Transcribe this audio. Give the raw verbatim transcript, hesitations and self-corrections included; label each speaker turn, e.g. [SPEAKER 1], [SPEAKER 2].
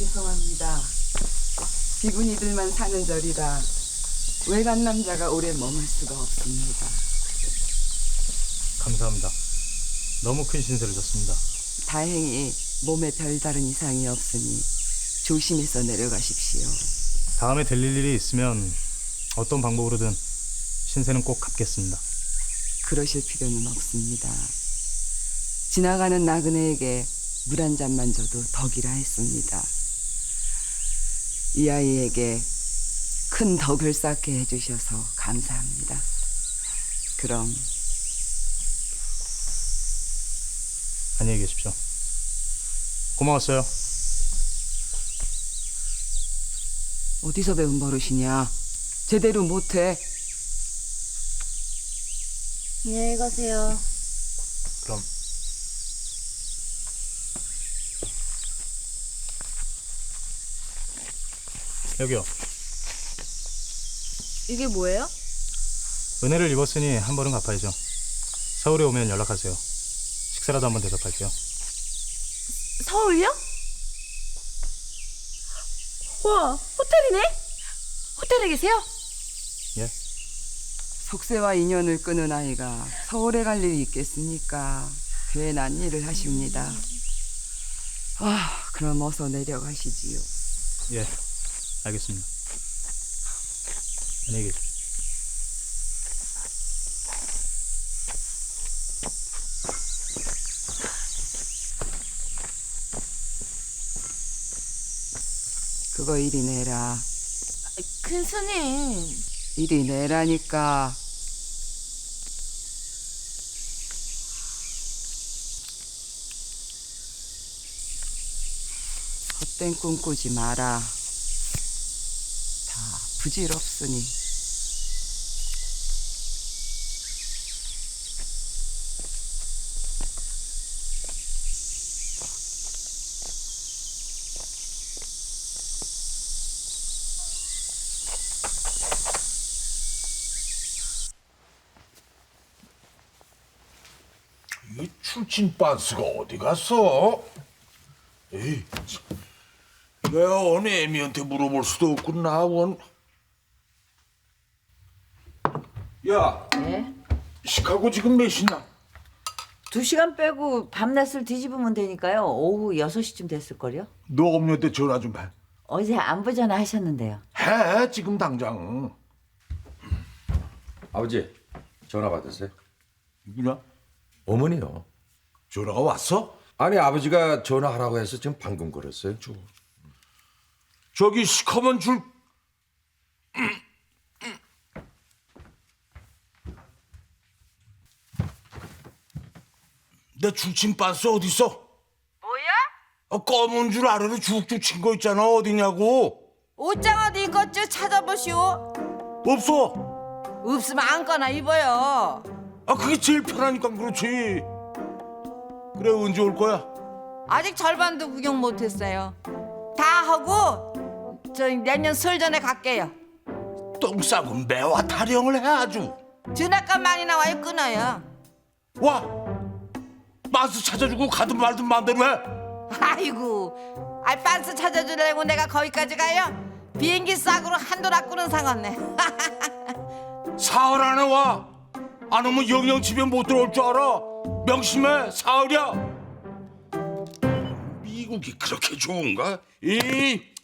[SPEAKER 1] 죄송합니다. 비구니들만 사는 절이라 외간 남자가 오래 머물 수가 없습니다.
[SPEAKER 2] 감사합니다. 너무 큰 신세를 졌습니다.
[SPEAKER 1] 다행히 몸에 별다른 이상이 없으니 조심해서 내려가십시오.
[SPEAKER 2] 다음에 들릴 일이 있으면 어떤 방법으로든 신세는 꼭 갚겠습니다.
[SPEAKER 1] 그러실 필요는 없습니다. 지나가는 나그네에게 물 한 잔만 줘도 덕이라 했습니다. 이 아이에게 큰 덕을 쌓게 해주셔서 감사합니다. 그럼
[SPEAKER 2] 안녕히 계십시오. 고마웠어요.
[SPEAKER 1] 어디서 배운 버릇이냐? 제대로 못해.
[SPEAKER 3] 안녕히 가세요.
[SPEAKER 2] 그럼 여기요.
[SPEAKER 3] 이게 뭐예요?
[SPEAKER 2] 은혜를 입었으니 한 벌은 갚아야죠. 서울에 오면 연락하세요. 식사라도 한번 대접할게요.
[SPEAKER 3] 서울요? 와, 호텔이네? 호텔에 계세요?
[SPEAKER 2] 예?
[SPEAKER 1] 속세와 인연을 끊은 아이가 서울에 갈 일이 있겠습니까? 괜한 일을 하십니다. 아, 그럼 어서 내려가시지요.
[SPEAKER 2] 예, 알겠습니다. 안녕히 계십시오.
[SPEAKER 1] 그거 이리 내라.
[SPEAKER 3] 큰 스님.
[SPEAKER 1] 이리 내라니까. 헛된 꿈 꾸지 마라. 다 부질없으니.
[SPEAKER 4] 이 출신 빤스가 어디 갔어? 에이, 참. 내가 어느 애미한테 물어볼 수도 없구나. 원. 야,
[SPEAKER 5] 네?
[SPEAKER 4] 시카고 지금 몇 시냐?
[SPEAKER 5] 두 시간 빼고 밤낮을 뒤집으면 되니까요. 오후 여섯 시쯤 됐을걸요?
[SPEAKER 4] 너 엄녀한테 전화 좀 해.
[SPEAKER 5] 어제 안부 전화 하셨는데요.
[SPEAKER 4] 해, 지금 당장.
[SPEAKER 6] 아버지, 전화 받으세요.
[SPEAKER 4] 누구냐?
[SPEAKER 6] 어머니요.
[SPEAKER 4] 전화가 왔어?
[SPEAKER 6] 아니, 아버지가 전화하라고 해서 지금 방금 걸었어요.
[SPEAKER 4] 저기 시커먼 줄. 내 출신 빤스 어디 있어?
[SPEAKER 5] 뭐야?
[SPEAKER 4] 아, 검은 줄 아래로 쭉쭉 친 거 있잖아. 어디냐고?
[SPEAKER 5] 옷장 어디 있겠죠? 찾아보시오.
[SPEAKER 4] 없어.
[SPEAKER 5] 없으면 안거나 입어요.
[SPEAKER 4] 아, 그게 제일 편하니까 그렇지. 그래, 언제 올 거야?
[SPEAKER 5] 아직 절반도 구경 못했어요. 다 하고 저 내년 설 전에 갈게요.
[SPEAKER 4] 똥 싸고 매화 타령을 해 아주.
[SPEAKER 5] 전화값 많이 나와요. 끊어요.
[SPEAKER 4] 와, 마스 찾아주고 가든 말든 마음대로 해.
[SPEAKER 5] 아이고, 아 빤스 찾아주려고 내가 거기까지 가요? 비행기 싸구로 한돈 아꾸는 상관네.
[SPEAKER 4] 사흘 안에 와. 안 오면 영영 집에 못 들어올 줄 알아. 명심해, 사흘이야. 미국이 그렇게 좋은가? 이